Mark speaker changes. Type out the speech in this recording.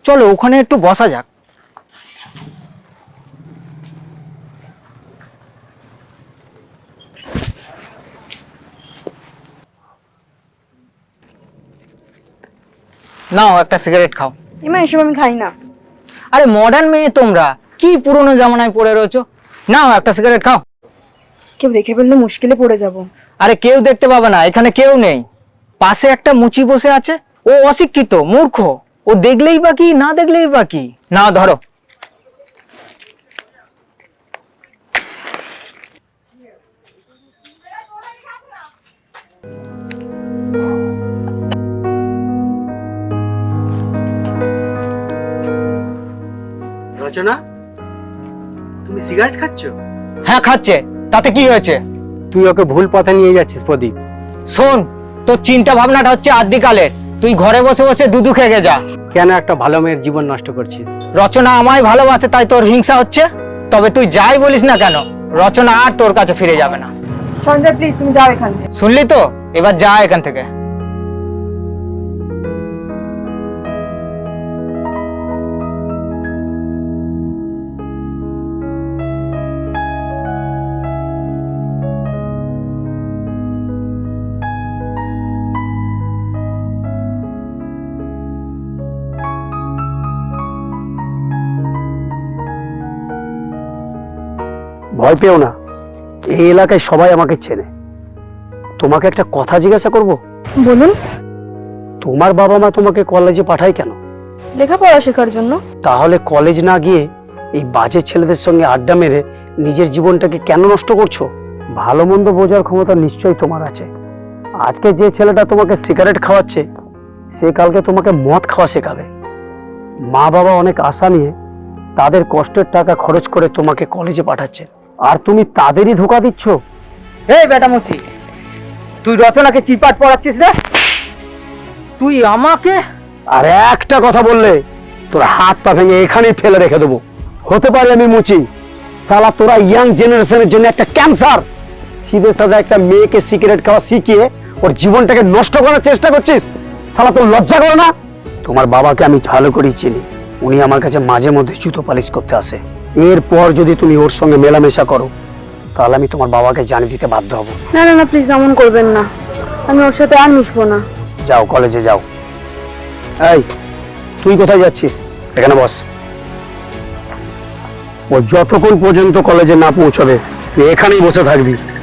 Speaker 1: চলো ওখানে একটু বসা যাক। নাও একটা সিগারেট খাও।
Speaker 2: এমা এসব আমি খাই না।
Speaker 1: আরে মডার্ন মেয়ে তোমরা, কি পুরনো জামানায় পড়ে রয়েছো। নাও একটা সিগারেট খাও।
Speaker 2: কেউ দেখে ফেললে মুশকিলে পড়ে যাব।
Speaker 1: আরে কেউ দেখতে পাবে না, এখানে কেউ নেই। পাশে একটা মুচি বসে আছে, ও অশিক্ষিত মূর্খ, ও দেখলেই বা কি না দেখলেই বা কি। নাও ধরো।
Speaker 3: রচনা, তুমি সিগারেট খাচ্ছ?
Speaker 1: হ্যাঁ খাচ্ছে, তাতে কি হয়েছে?
Speaker 3: তুই ওকে ভুল পথে নিয়ে যাচ্ছিস প্রদীপ।
Speaker 1: শোন, তোর চিন্তা ভাবনাটা হচ্ছে আদিকালের। তুই ঘরে বসে বসে দুধু খেগে যা।
Speaker 3: কেন একটা ভালো মেয়ের জীবন নষ্ট করছিস?
Speaker 1: রচনা আমায় ভালোবাসে তাই তোর হিংসা হচ্ছে। তবে তুই যাই বলিস না কেন, রচনা আর তোর কাছে ফিরে যাবে না।
Speaker 2: সঞ্জয় প্লিজ তুমি যাও এখান থেকে।
Speaker 1: শুনলি তো, এবার যা এখান থেকে।
Speaker 4: ভয় পেও না, এই এলাকায় সবাই আমাকে চেনে। তোমাকে একটা কথা জিজ্ঞাসা করব?
Speaker 2: বলুন।
Speaker 4: তোমার বাবা মা তোমাকে কলেজে পাঠায় কেন?
Speaker 2: লেখাপড়া শেখার জন্য।
Speaker 4: তাহলে কলেজ না গিয়ে এই বাজে ছেলেদের সঙ্গে আড্ডা মেরে নিজের জীবনটাকে কেন নষ্ট করছো? ভালো মন্দ বোঝার ক্ষমতা নিশ্চয়ই তোমার আছে। আজকে যে ছেলেটা তোমাকে সিগারেট খাওয়াচ্ছে, সে কালকে তোমাকে মদ খাওয়া শেখাবে। মা বাবা অনেক আশা নিয়ে তাদের কষ্টের টাকা খরচ করে তোমাকে কলেজে পাঠাচ্ছে, আর তুমি তাদেরই ধোঁকা দিচ্ছ।
Speaker 1: এই বেটা মুচি, তুই রচনাকে কি পাঠ পড়াচ্ছিস রে? তুই আমাকে?
Speaker 4: আর একটা কথা বললে তোর হাত পা ভেঙে এখানেই ফেলে রেখে দেবো। হতে পারে আমি মুচি, সালা তোরা ইয়াং জেনারেশনের জন্য একটা ক্যান্সার। সিধে সাদা একটা মেয়েকে সিগারেট খাওয়া শিখিয়ে ওর জীবনটাকে নষ্ট করার চেষ্টা করছিস। সালা তোর লজ্জা করে না? তোমার বাবাকে আমি ভালো করেই চিনি, উনি আমার কাছে মাঝে মধ্যে জুতো পালিশ করতে আসে। এরপর যদি তুমি ওর সঙ্গে মেলামেশা করো, তাহলে আমি তোমার বাবাকে জানিয়ে দিতে বাধ্য হব।
Speaker 2: না না না প্লিজ এমন করবেন না, আমি ওর সাথে আর মিশবো না।
Speaker 4: যাও কলেজে যাও। এই তুই কোথায় যাচ্ছিস? এখানে বস। ও যতক্ষণ পর্যন্ত কলেজে না পৌঁছবে তুই এখানেই বসে থাকবি।